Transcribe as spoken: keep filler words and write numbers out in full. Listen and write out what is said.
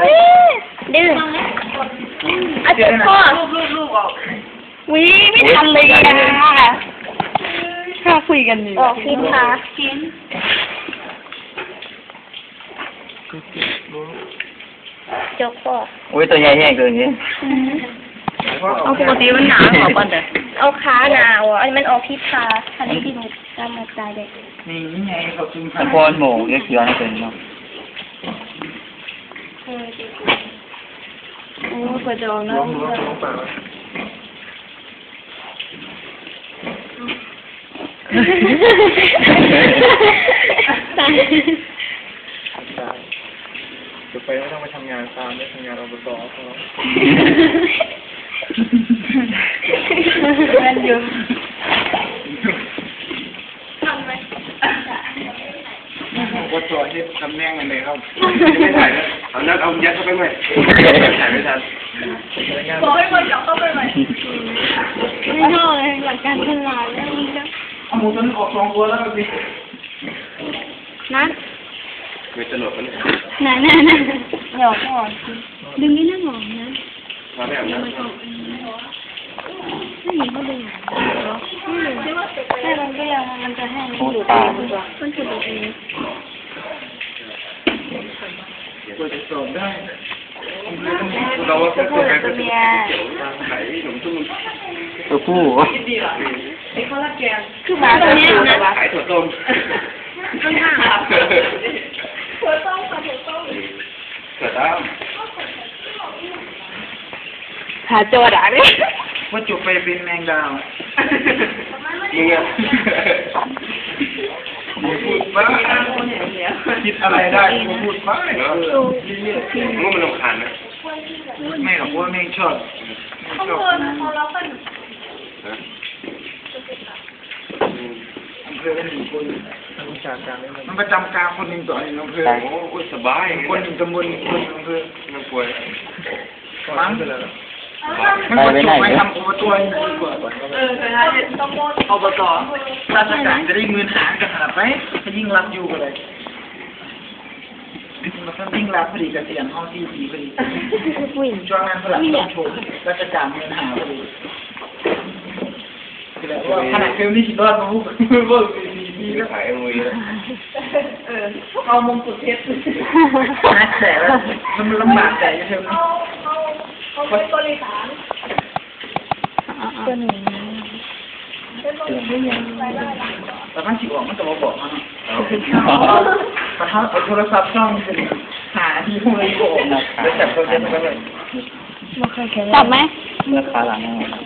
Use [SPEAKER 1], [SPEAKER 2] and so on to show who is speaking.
[SPEAKER 1] ดื้ออาจารย์พ่อวิไม่ทันเลยอ่ะถ้าคุยกันนี่ออกพินค่ะพินจบพ่อ
[SPEAKER 2] โอ้ยตัวใหญ่แห้งตัวนี้
[SPEAKER 1] เอาปกติมันหนาหรอป่ะเด้อเอาขาหนาวอ่ะอันนี้มันออกพิษค่ะอันนี้ที่หนูจำมาตายเด็ก
[SPEAKER 2] นี่ไงเขาจึงตะโกนหมูเยอะเขียวนะเป็นเนาะ
[SPEAKER 1] โอ้กระจองนะ
[SPEAKER 3] จะไปไม่ต้องไปทำงานตามไม่ทำงานอบตเขา
[SPEAKER 1] เงินอยู่
[SPEAKER 3] ว่าตัวที่ทำแน่งกันเลยครับไม่ถ่ายแล้วเอานัดเอายัดเข้าไปใหม่ถ่ายไม่ทัน
[SPEAKER 1] บอกให้คนจับเข้าไปใหม่ไม่ชอบเลยหลักการตลาดแล้วมันจะ
[SPEAKER 3] เอาหมูตัวนี้ออกสองตัวแล้วสิ
[SPEAKER 1] นะ
[SPEAKER 3] ไม่ตลกกันเลย
[SPEAKER 1] นั่นนั่นนั่นหยอกก่อนดึงไม่น่าหงอกนะ
[SPEAKER 3] มาแบบนั้น
[SPEAKER 1] ไม่เห็นเขาดึงหรอไม่มันก็ยังมันจะให้มันหลุดเองมันจะหลุดเอง
[SPEAKER 3] ควรจะสอบได้เราว่าเป็นตัวแทนตัวเมียไหนหนุ่มตุ้ม
[SPEAKER 2] ตัวผู้
[SPEAKER 1] ไอ้ข้าวราดแกงคือหมาตัวนี้นะ
[SPEAKER 3] ขายถั่วต้ม
[SPEAKER 1] ข้างหน้าถั่วต้มค่ะถั่วต้ม
[SPEAKER 3] ถั่วต้ม
[SPEAKER 1] หาโจดอ่ะเนี่ย
[SPEAKER 3] ว่าจุกไปเป็นแมงดาวมึงอะพูดบ้าคิดอะไรได้กูพูดบ้าเหรอมึงมันรำคาญไหมไม่หรอกว่าแม่งชอบ
[SPEAKER 1] เขาเพิ่นเขาเราเพิ่น
[SPEAKER 3] อำเภอเป็นหนึ่งคนมันประจำการคนหนึ่งต่อหนึ่งอำเภอโอ้สบายคนหนึ่งตำบลคนอำเภอมันป่วยมั้งมันก็จบไปทำอบตนี่ดีกว่า
[SPEAKER 1] เออเคยนะต้องโมด
[SPEAKER 3] อบตราชการจะได้เงินหารกันขนาดไหนถ้ายิ่งรับอยู่ก็เลยมันก็ยิ่งรับพอดีเกษียณห้องที่ดีพอดีช่วงนั้นพลังต้องโชว์ราชการเงินหาพอดีขนาดเฟิลนี่สิรอดมาพูดว่าดีดีก็ขายมวยแล้ว
[SPEAKER 1] เออเอามงกุฎเพชร
[SPEAKER 3] นักแต่ว่ามันลำบากใจเธอ
[SPEAKER 1] เอาเอาเอาไปบริหารตัวหนึ่ง
[SPEAKER 3] แต่ท่านสิออกมันจะมาบอกมันแต่ถ้าเอาโทรศัพท์ช่องจะหาที่พวกนี้โกงแล้วจับตัวเด็กไปเลย
[SPEAKER 1] จับไหม
[SPEAKER 2] ราคาหลัง